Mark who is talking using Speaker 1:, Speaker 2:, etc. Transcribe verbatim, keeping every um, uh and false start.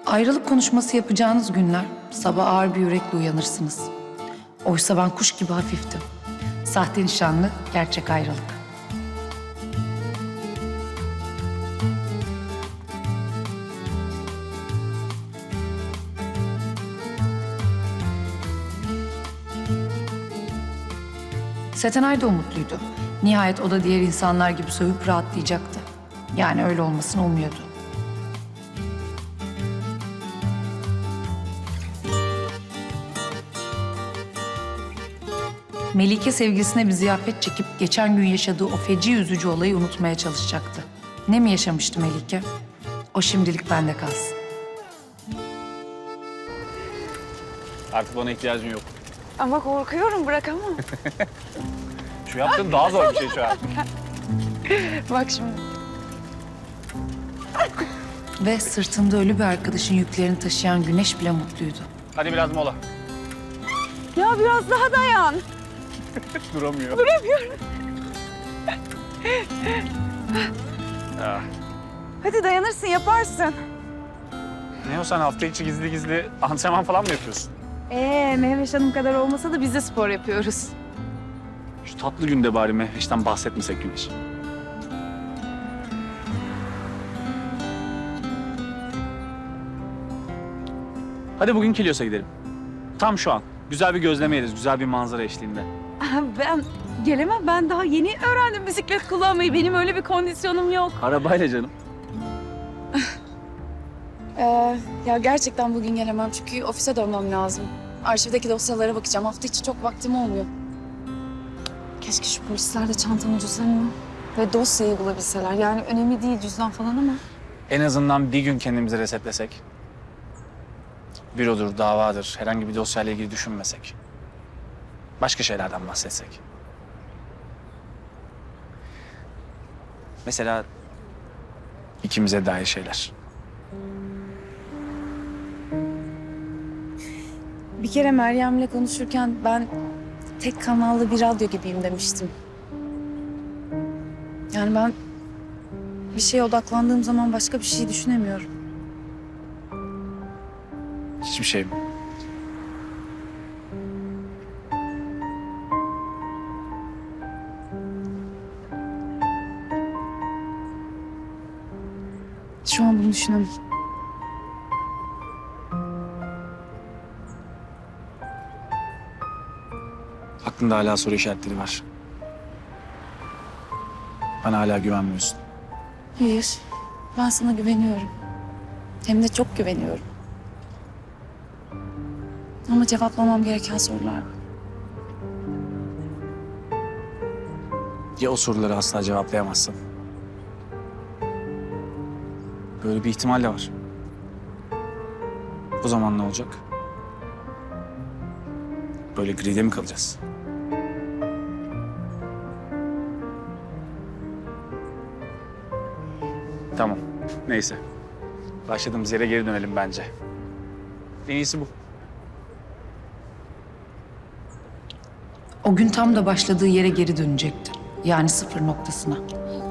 Speaker 1: Ayrılık konuşması yapacağınız günler sabah ağır bir yürekle uyanırsınız. Oysa ben kuş gibi hafiftim. Sahte nişanlı, gerçek ayrılık. Setenay da umutluydu. Nihayet o da diğer insanlar gibi sövüp rahatlayacaktı. Yani öyle olmasını umuyordu. Melike sevgilisine bir ziyafet çekip geçen gün yaşadığı o feci üzücü olayı unutmaya çalışacaktı. Ne mi yaşamıştı Melike? O şimdilik bende kalsın.
Speaker 2: Artık bana ihtiyacın yok.
Speaker 3: Ama korkuyorum, bırakamam.
Speaker 2: Şu yaptığın daha zor bir şey şu an.
Speaker 3: Bak şimdi.
Speaker 1: Ve sırtında ölü bir arkadaşın yüklerini taşıyan Güneş bile mutluydu.
Speaker 2: Hadi biraz mola.
Speaker 3: Ya biraz daha dayan.
Speaker 2: Duramıyor.
Speaker 3: Duramıyorum.
Speaker 2: Ah.
Speaker 3: Hadi dayanırsın, yaparsın.
Speaker 2: Ne o, sen hafta içi gizli gizli antrenman falan mı yapıyorsun?
Speaker 3: Ee, Mehveş Hanım kadar olmasa da biz de spor yapıyoruz.
Speaker 2: Şu tatlı günde bari Mehveş'ten bahsetmesek Güneş. Hadi bugün Kilyos'a gidelim. Tam şu an. Güzel bir gözleme yeriz, güzel bir manzara eşliğinde.
Speaker 3: Ben gelemem, ben daha yeni öğrendim bisiklet kullanmayı. Benim öyle bir kondisyonum yok.
Speaker 2: Arabayla canım.
Speaker 4: Ee, ya gerçekten bugün gelemem çünkü ofise dönmem lazım. Arşivdeki dosyalara bakacağım. Hafta içi çok vaktim olmuyor. Keşke şu polisler de çantamı, cüzdanımı ve dosyayı bulabilseler. Yani önemli değil cüzdan falan ama.
Speaker 2: En azından bir gün kendimizi resetlesek. Bürodur, davadır, herhangi bir dosyayla ilgili düşünmesek. Başka şeylerden bahsetsek. Mesela ikimize dair şeyler.
Speaker 4: Bir kere Meryem'le konuşurken ben tek kanallı bir radyo gibiyim demiştim. Yani ben bir şeye odaklandığım zaman başka bir şey düşünemiyorum.
Speaker 2: Hiçbir şey mi?
Speaker 4: Şu an bunu düşünemem.
Speaker 2: Aklında hala soru işaretleri var. Bana hala güvenmiyorsun.
Speaker 4: Hayır, ben sana güveniyorum. Hem de çok güveniyorum. Ama cevaplamam gereken sorular var.
Speaker 2: Ya o soruları asla cevaplayamazsın? Böyle bir ihtimal de var. O zaman ne olacak? Böyle gride mi kalacağız? Tamam. Neyse. Başladığımız yere geri dönelim bence. En iyisi bu.
Speaker 1: O gün tam da başladığı yere geri dönecekti. Yani sıfır noktasına.